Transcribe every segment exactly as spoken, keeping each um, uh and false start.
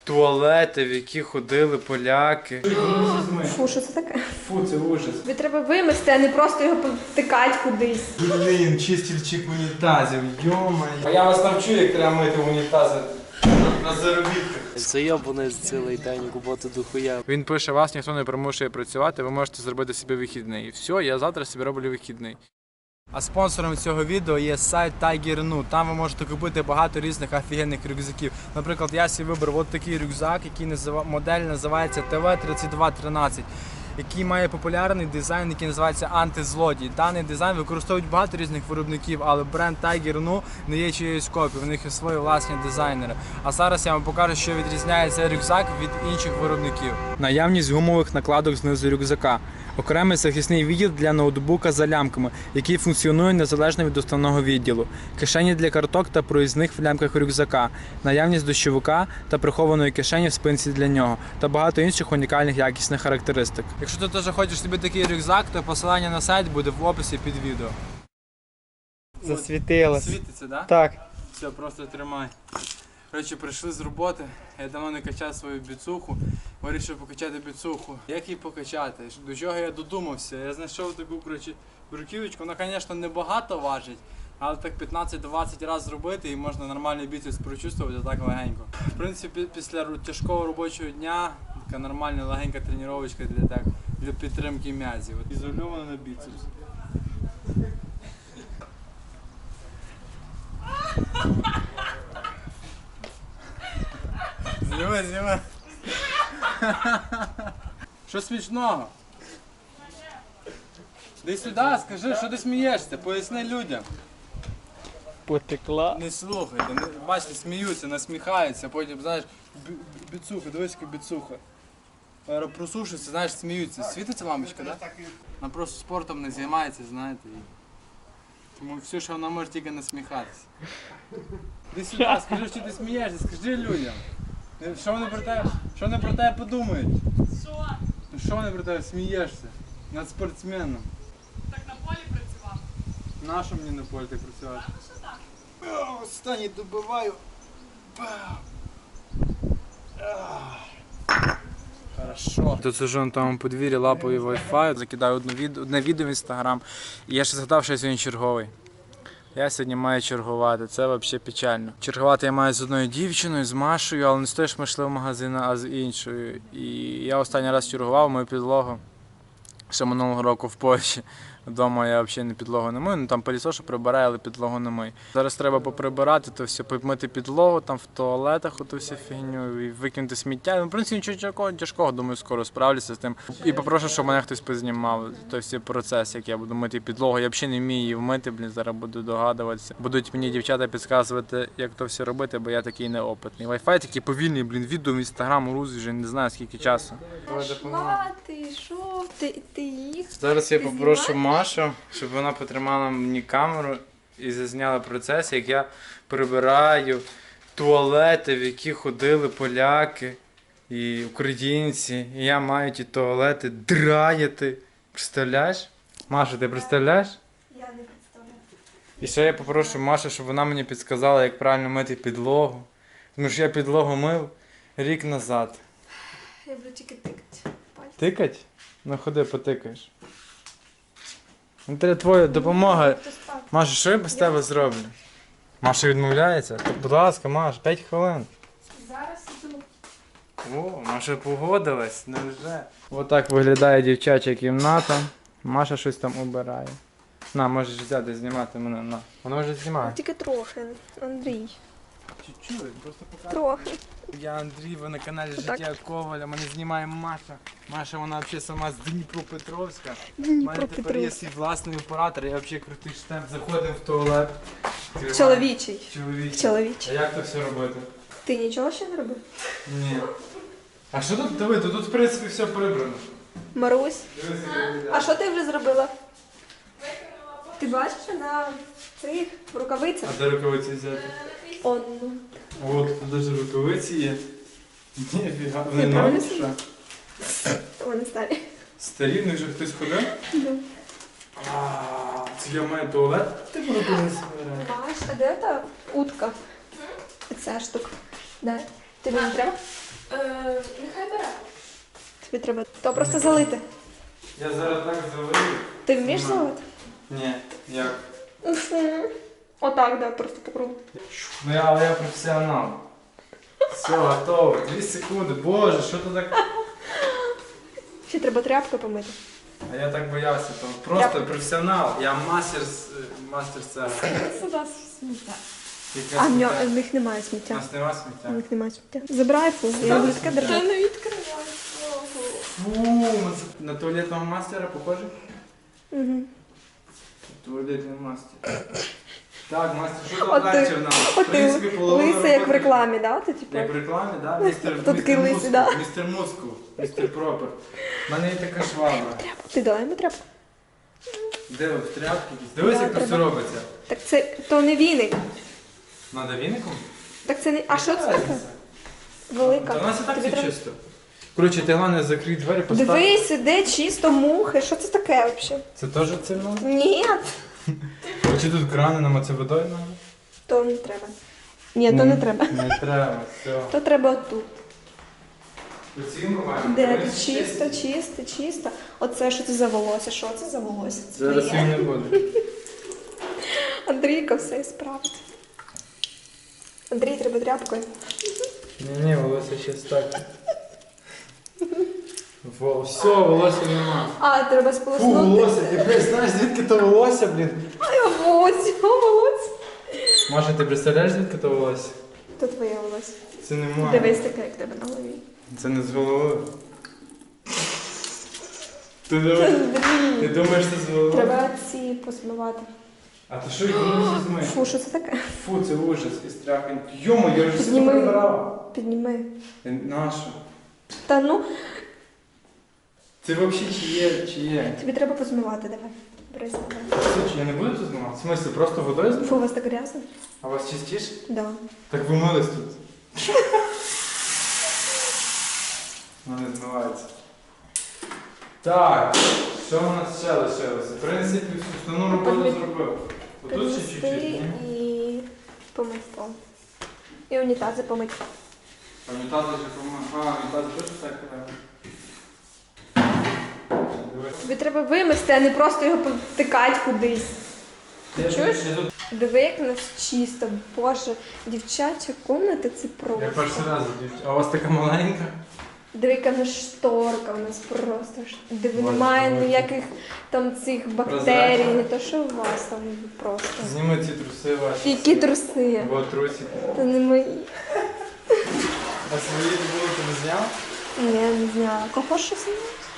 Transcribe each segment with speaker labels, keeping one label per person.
Speaker 1: Туалети, в які ходили поляки.
Speaker 2: Фу, що це таке?
Speaker 1: Фу, це ужас.
Speaker 2: Тобі треба вимести, а не просто його повтикати кудись.
Speaker 1: Блін, чистільчик унітазів, йомай. А я вас навчу, як треба мити унітази на заробітках.
Speaker 3: Зайобаний цілий день, роботи дохуя.
Speaker 1: Він пише, вас ніхто не примушує працювати, ви можете зробити собі вихідний. І все, я завтра собі роблю вихідний. А спонсором цього відео є сайт Tiger.nu. Там ви можете купити багато різних офігенних рюкзаків. Наприклад, я собі вибрав от такий рюкзак, який назив... модель називається Т В тридцять два тринадцять, який має популярний дизайн, який називається антизлодій. Даний дизайн використовують багато різних виробників, але бренд Tiger.nu не є чиєюсь копією, в них є свої власні дизайнери. А зараз я вам покажу, що відрізняє цей рюкзак від інших виробників. Наявність гумових накладок знизу рюкзака. Окремий захисний відділ для ноутбука за лямками, який функціонує незалежно від основного відділу. Кишені для карток та проїзних в лямках рюкзака. Наявність дощовика та прихованої кишені в спинці для нього. Та багато інших унікальних якісних характеристик. Якщо ти теж хочеш собі такий рюкзак, то посилання на сайт буде в описі під відео.
Speaker 4: Засвітилось.
Speaker 1: Світиться, да?
Speaker 4: Так.
Speaker 1: Все, просто тримай. Коротше, прийшли з роботи, я давно не качав свою біцуху, вирішив покачати біцуху. Як її покачати? До чого я додумався? Я знайшов таку, коротше, бруківочку, вона, звісно, не багато важить, але так п'ятнадцять-двадцять разів зробити і можна нормальний біцепс прочувствувати так легенько. В принципі, після тяжкого робочого дня така нормальна легенька тренувачка для, так, для підтримки м'язів. Ізольовано на біцепс. Зніми, зніми. Що смішного? Дай сюди, скажи, що ти смієшся, поясни людям.
Speaker 4: Потекла.
Speaker 1: Не слухайте, не, бачите, сміються, насміхаються, потім, знаєш, бі- біцуха, дивись, яка біцуха. Зараз просушиться, знаєш, сміються. Світиться мамочка, так? Да? Вона просто спортом не займається, знаєте. І... Тому все, що вона може тільки насміхатися. Іди сюди, скажи, що ти смієшся, скажи людям. Що вони про тебе, що вони про тебе подумають?
Speaker 5: Що?
Speaker 1: Ну що вони про тебе смієшся? Над спортсменом.
Speaker 5: Так на полі працював?
Speaker 1: Нащо мені на полі так працювати?
Speaker 5: Ну що так?
Speaker 1: Останній добиваю. Хорошо. Тут сижу на тому подвір'ї, лапою Wi-Fi, закидаю одне відео, одне відео в інстаграм. І я ще згадав, що я сьогодні черговий. Я сьогодні маю чергувати, це взагалі печально. Чергувати я маю з одною дівчиною, з Машею, але не з тою, що ми йшли в магазин, а з іншою. І я останній раз чергував мою підлогу ще минулого року в Польщі. Вдома я взагалі не підлогу не мию, ну там пилісошу прибираю, але підлогу не мию. Зараз треба поприбирати, то все, помити підлогу, там в туалетах оту всю фігню, і викинути сміття. Ну, в принципі, нічого тяжкого, тяжкого, думаю, скоро справлюся з тим. І попрошу, щоб мене хтось познімав той всі процес, як я буду мити підлогу. Я взагалі не вмію її вмити, блін, зараз буду догадуватися. Будуть мені дівчата підказувати, як то все робити, бо я такий неопитний. Wi-Fi такий повільний, блін, відео в інстаграм грузить вже не знаю скільки часу.
Speaker 2: Пішла ти, що? Ти, ти їх?
Speaker 1: Зараз я
Speaker 2: Ти
Speaker 1: попрошу Машу, щоб вона потримала мені камеру і зазняла процес, як я прибираю туалети, в які ходили поляки і українці. І я маю ті туалети драяти. Представляєш? Маша, ти представляєш?
Speaker 2: Я не представляю.
Speaker 1: І ще я попрошу Машу, щоб вона мені підказала, як правильно мити підлогу. Тому що я підлогу мив рік назад.
Speaker 2: Я буду тільки тикати. Пальці.
Speaker 1: Тикать? Ну ходи, потикаєш. Ну, треба твоя допомога.
Speaker 2: Хто спав?
Speaker 1: Маша, що я без тебе зроблю? Маша відмовляється? То, будь ласка, Маш, п'ять хвилин.
Speaker 2: Зараз іду.
Speaker 1: О, Маша погодилась, невже? Отак виглядає дівчача кімната. Маша щось там обирає. На, можеш взяти, знімати мене, на. Вона вже знімає.
Speaker 2: Тільки трохи, Андрій.
Speaker 1: Чуть-чуть, просто показує.
Speaker 2: Трохи.
Speaker 1: Я Андрій, ви на каналі
Speaker 2: Отак.
Speaker 1: Життя Коваля, мене знімає Маша. Маша, вона взагалі сама з Дніпропетровська. У мене тепер є
Speaker 2: Дніпропетровськ.
Speaker 1: свій власний оператор, я взагалі крутий штемп, заходимо в туалет. відкриваємо.
Speaker 2: Чоловічий.
Speaker 1: Чоловічий.
Speaker 2: Чоловічий.
Speaker 1: А як то все робити?
Speaker 2: Ти нічого ще не робив?
Speaker 1: Ні. А що тут, диви, тут, тут в принципі все прибрано.
Speaker 2: Марусь,
Speaker 1: Дивись, як виглядає.
Speaker 2: а що ти вже зробила? Ти бачиш на цих рукавицях?
Speaker 1: А де рукавиці взяти?
Speaker 2: Он, ну.
Speaker 1: От, тут навіть рукавиці є. Ніфіга, вони
Speaker 2: Я правильно
Speaker 1: нові, що?
Speaker 2: Вони старі.
Speaker 1: Старі, в них вже хтось ходив?
Speaker 2: Да.
Speaker 1: А, це я маю туалет? Ти буду колись збирати.
Speaker 2: Маш, а де та утка? Ця штука. Да. Тобі не треба?
Speaker 5: Е, нехай бере.
Speaker 2: Тобі треба. То просто залити.
Speaker 1: Я зараз так заварю.
Speaker 2: Ти вмієш
Speaker 1: Ні.
Speaker 2: залити?
Speaker 1: Ні, як?
Speaker 2: Отак, да, просто по кругу.
Speaker 1: Ну я, але я професіонал. Все, готово. Дві секунди. Боже, що ти так?
Speaker 2: Ще треба тряпкою помити.
Speaker 1: А я так боявся того. Просто
Speaker 2: Я-
Speaker 1: професіонал. Я мастер з мастер цеха.
Speaker 5: Сюди сміття.
Speaker 2: А в нього в них немає сміття.
Speaker 1: У нас нема
Speaker 2: В
Speaker 1: сміття.
Speaker 2: них немає сміття. Забирай фу, я люблю таке
Speaker 5: Та
Speaker 2: держати.
Speaker 5: не відкривай.
Speaker 1: Фу, на це- на туалетного мастера похоже?
Speaker 2: Угу.
Speaker 1: Туалетний мастер. Так, мастер, що
Speaker 2: От
Speaker 1: тут
Speaker 2: ти-
Speaker 1: далі в нас? В
Speaker 2: От ти
Speaker 1: принципі, половина
Speaker 2: лисий, як в
Speaker 1: роботи-
Speaker 2: рекламі, да? Ти типу.
Speaker 1: Як в рекламі, да? Містер,
Speaker 2: Хто такий
Speaker 1: містер
Speaker 2: лисий,
Speaker 1: Мускул,
Speaker 2: да?
Speaker 1: містер Мускул, містер Пропер. У мене є така швабра.
Speaker 2: Ти дала йому тряпку.
Speaker 1: Де ви, в тряпки? Дивись,
Speaker 2: Да,
Speaker 1: як тут все
Speaker 2: треба.
Speaker 1: робиться.
Speaker 2: Так це то не віник.
Speaker 1: Надо віником?
Speaker 2: Так це не. А що це таке?
Speaker 1: Та
Speaker 2: Велика.
Speaker 1: у нас і так
Speaker 2: Тобі
Speaker 1: все
Speaker 2: треба-
Speaker 1: чисто. Коротше, ти головне закрий двері, постав.
Speaker 2: Дивись, іде чисто мухи. Що це таке взагалі?
Speaker 1: Це теж це в нас?
Speaker 2: Ні,
Speaker 1: Чи тут крани нам це водою надо?
Speaker 2: то не треба. Ні, то не треба.
Speaker 1: Не треба, все.
Speaker 2: То треба отут.
Speaker 1: Оцінку маємо.
Speaker 2: Де
Speaker 1: Дивись,
Speaker 2: тут чисто, чисто, чисто. Оце що це за волосся? Що це за волосся? Це
Speaker 1: Зараз
Speaker 2: твоє.
Speaker 1: їм не буде.
Speaker 2: Андрійка все справить. Андрій, треба тряпкою.
Speaker 1: Ні, ні, волосся ще так. Во, все, волосся нема.
Speaker 2: А, треба
Speaker 1: Фу,
Speaker 2: сполоснути.
Speaker 1: волосся, ти блядь, знаєш, звідки то волосся, блін?
Speaker 2: Ай, волосся, волосся.
Speaker 1: Маша, ти представляєш, звідки то волосся?
Speaker 2: То твоє волосся.
Speaker 1: Це немає.
Speaker 2: Дивись таке, як в тебе на голові.
Speaker 1: Це не з голови. Ти думаєш,
Speaker 2: Андрій.
Speaker 1: ти думаєш, це з голови?
Speaker 2: Треба ці посмивати.
Speaker 1: А ти що, їх не зізьми?
Speaker 2: Фу, що це таке?
Speaker 1: Фу, це ужас і страх. Йомо, я вже все
Speaker 2: Підніми.
Speaker 1: прибирав.
Speaker 2: Підніми.
Speaker 1: Нащо?
Speaker 2: Та ну,
Speaker 1: Це взагалі чи є, чи є?
Speaker 2: тобі треба позмивати, давай. Бери себе.
Speaker 1: Слухай, я не буду тут знімати? В смислі, просто водою знімати?
Speaker 2: Фу, у вас так грязно?
Speaker 1: А у вас чистіше?
Speaker 2: Да.
Speaker 1: Так ви мились тут. Воно не змивається. Так, що у нас ще лишилося? В принципі, основну роботу
Speaker 2: Підмі-
Speaker 1: зробив. Отут ще
Speaker 2: Підмести
Speaker 1: чуть-чуть, ні?
Speaker 2: і помити пол. І унітази помити.
Speaker 1: А унітази вже помив. А, унітази теж так треба. Дивись.
Speaker 2: Тобі треба вимести, а не просто його потикати кудись.
Speaker 1: Я
Speaker 2: чуєш?
Speaker 1: тут- я тут-
Speaker 2: Диви, як у нас чисто. Боже, дівчача комната це
Speaker 1: Я
Speaker 2: просто.
Speaker 1: перший раз дівчина. А у вас така маленька?
Speaker 2: Диви, яка в нас шторка, у нас просто. ш- Диви,
Speaker 1: Боже,
Speaker 2: немає
Speaker 1: боже.
Speaker 2: ніяких там цих бактерій,
Speaker 1: Прозрачно.
Speaker 2: не то що у вас там просто.
Speaker 1: Зніми ці труси ваші.
Speaker 2: Які труси?
Speaker 1: Бо трусики.
Speaker 2: Це не мої.
Speaker 1: А свої були ти не зняв?
Speaker 2: Ні, не знаю. Кого що знає?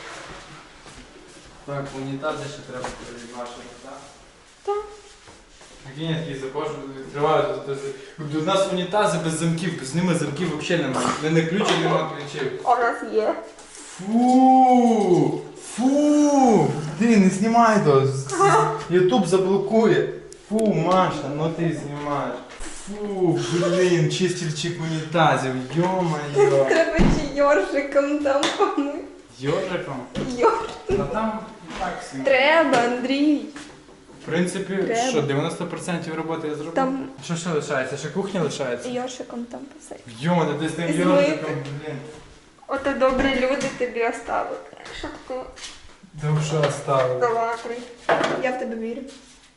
Speaker 1: Так, унітази ще треба перебачити, так?
Speaker 2: Так.
Speaker 1: Такі я такий заходжу, відкриваю, тут- тут- тут у нас унітази без замків, без ними замків взагалі немає. Не на ключі, нема ключів.
Speaker 2: У нас є.
Speaker 1: Фу! Фу! Ти не знімай то! Ютуб заблокує. Фу, Маша, ну ти знімаєш. Фу, блін, чистильчик унітазів, йо-моє.
Speaker 2: Треба чи йоршиком там помити.
Speaker 1: Йориком?
Speaker 2: Йор.
Speaker 1: А там і так всім.
Speaker 2: Треба, Андрій.
Speaker 1: В принципі,
Speaker 2: Треба.
Speaker 1: що, дев'яносто відсотків роботи я зробив?
Speaker 2: Там-
Speaker 1: Що ще лишається? Ще кухня лишається?
Speaker 2: Йоршиком там посадь.
Speaker 1: Йо, ти з тим
Speaker 2: Змити.
Speaker 1: йориком, блін.
Speaker 2: Ото добрі люди тобі оставили. Щоб ти
Speaker 1: Душа оставила.
Speaker 2: долакрий. Я в тебе вірю.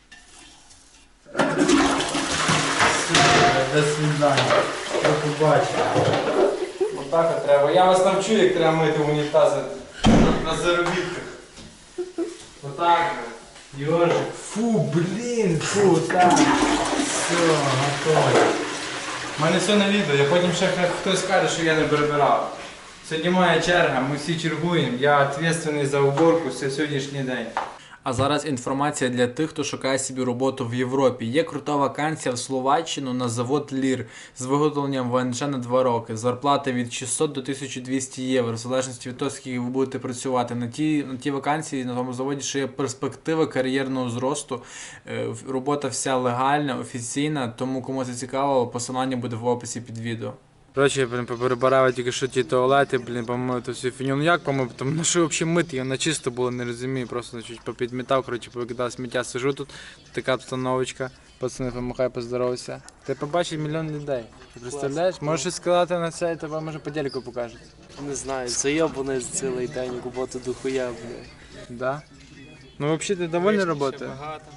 Speaker 1: До свидання. До побачення. Отак от треба. Я вас навчу, як треба мити унітази на заробітках. Отак. от. Йожик. Фу, блін, фу, так. Все, готово. У мене все на відео, я потім ще хай хтось скаже, що я не перебирав. Сьогодні моя черга, ми всі чергуємо, я відповідальний за уборку все сьогоднішній день. А зараз інформація для тих, хто шукає собі роботу в Європі. Є крута вакансія в Словаччину на завод Лір з виготовленням ВНЖ на два роки. Зарплата від шістсот до тисяча двісті євро, в залежності від того, скільки ви будете працювати. На тій, на тій вакансії, на тому заводі, ще є перспектива кар'єрного зросту. Е, Робота вся легальна, офіційна, тому кому це цікаво, посилання буде в описі під відео. Коротше, блін, поперебирав тільки що ті туалети, блін, помив ту всю фіню. Ну як помив? Там, ну що взагалі мити? Вона чисто було, не розумію. Просто чуть попідмітав, коротше, повикидав сміття. Сижу тут, така обстановочка. Пацани, помахай, поздоровайся. Ти побачиш мільйон людей. Ти представляєш? Можеш щось сказати на це, і тебе може по телеку покажуть.
Speaker 3: Не знаю, зайобаний цілий день, роботи дохуя, бля.
Speaker 1: Да? Ну взагалі ти довольний роботою?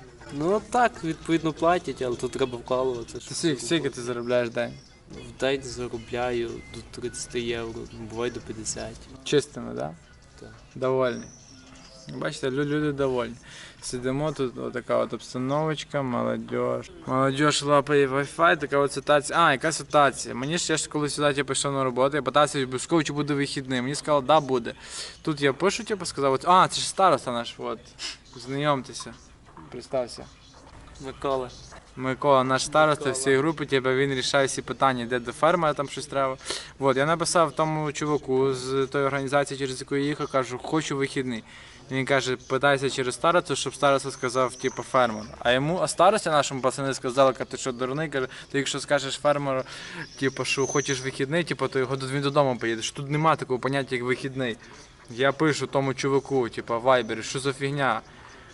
Speaker 3: Ну так, відповідно платять, але тут треба вкалувати.
Speaker 1: Ти скільки, скільки ти заробляєш в день?
Speaker 3: В день заробляю до тридцять євро, буває до п'ятдесят.
Speaker 1: Чистими, да?
Speaker 3: Так.
Speaker 1: Довольні. Бачите, лю- люди довольні. Сидимо тут, отака от обстановочка, молодіж. Молодіж лапає Wi-Fi, така от ситуація. А, яка ситуація? Мені ще ж коли сюди я пішов на роботу, я питався обов'язково, чи буде вихідний. Мені сказали, да, буде. Тут я пишу, типу, сказав, от, а, це ж староста наш, от. Знайомтеся. Представся.
Speaker 3: Микола.
Speaker 1: Микола, наш староста
Speaker 3: Микола.
Speaker 1: всієї групи, типу, він рішає всі питання, де до фермера там щось треба. От, я написав тому чуваку з тої організації, через яку я їхав, кажу, хочу вихідний. Він каже, питайся через старосту, щоб староста сказав, типу, фермеру. А йому, а старості нашому пацани сказали, каже, ти що дурний, каже, ти якщо скажеш фермеру, типу, що хочеш вихідний, типу, то його він додому поїде. Що тут немає такого поняття, як вихідний. Я пишу тому чуваку, типу, в Viber, що за фігня.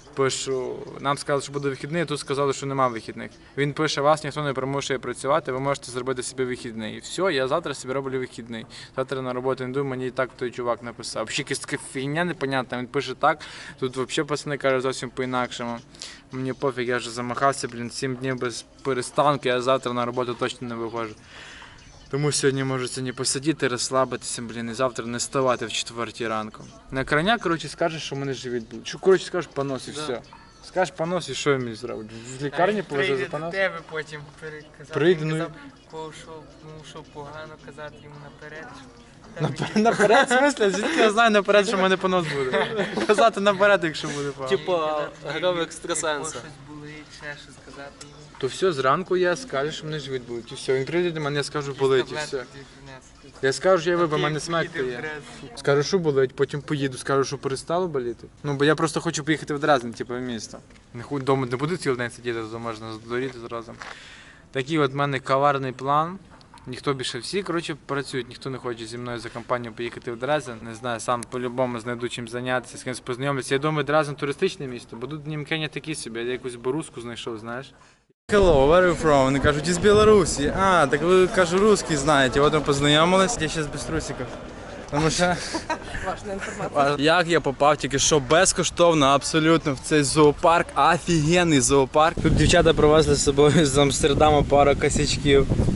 Speaker 1: Пишу, нам сказали, що буде вихідний, а тут сказали, що немає вихідних. Він пише, вас ніхто не примушує працювати, ви можете зробити собі вихідний. І все, я завтра собі роблю вихідний. Завтра на роботу не йду, мені і так той чувак написав. Взагалі якась така фігня непонятна, він пише так, тут взагалі пацани кажуть зовсім по-інакшому. Мені пофіг, я вже замахався, блін, сім днів без перестанку, я завтра на роботу точно не виходжу. Тому сьогодні можу сьогодні посидіти, розслабитися, блін, і завтра не вставати в четвертій ранку. На крайня, коротше, скажеш, що в мене живіт буде. Що, коротше, скажеш понос і
Speaker 3: Да.
Speaker 1: все. Скажеш понос і що я мені зроблю? В лікарні положу за
Speaker 4: Прийде до
Speaker 1: понос?
Speaker 4: тебе потім переказати.
Speaker 1: Прийде,
Speaker 4: Він
Speaker 1: ну і-
Speaker 4: казав, кого що, ну, що погано казати йому наперед. що
Speaker 1: Наперед,
Speaker 4: там
Speaker 1: наперед, в смислі? Звідки я знаю наперед, що в мене понос буде? Казати наперед, якщо буде погано.
Speaker 3: Типу, грав
Speaker 4: якщо
Speaker 3: екстрасенса.
Speaker 4: щось болить, ще щось сказати йому.
Speaker 1: То все, зранку я скажу, що в мене живіт буде. І все, він прийде до мене, я скажу, болить, і
Speaker 4: Таблетки
Speaker 1: все.
Speaker 4: тобі принесу.
Speaker 1: Я скажу, що я вибив, в мене
Speaker 4: Ти
Speaker 1: смерть
Speaker 4: поїдеш
Speaker 1: є.
Speaker 4: в Дрезден.
Speaker 1: Скажу, що болить, потім поїду, скажу, що перестало боліти. Ну, бо я просто хочу поїхати в Дрезден, типу, в місто. Не хуй вдома не буду цілий день сидіти, то можна здуріти зразу. Такий от в мене коварний план. Ніхто більше всі, коротше, працюють, ніхто не хоче зі мною за компанію поїхати в Дрезден. Не знаю, сам по-любому знайду чим зайнятися, з кимось познайомитися. Я думаю, Дрезден туристичне місто, бо тут німкені такі собі, я якусь борузку знайшов, знаєш. Hello, where are you from? Вони кажуть, із Білорусі. А, так ви, кажу, русский знаєте. От ми познайомились. Я зараз без трусиків. Тому що...
Speaker 2: Важна інформація.
Speaker 1: Як я попав тільки що безкоштовно абсолютно в цей зоопарк, офігенний зоопарк. Тут дівчата привезли з собою з Амстердаму пару косячків.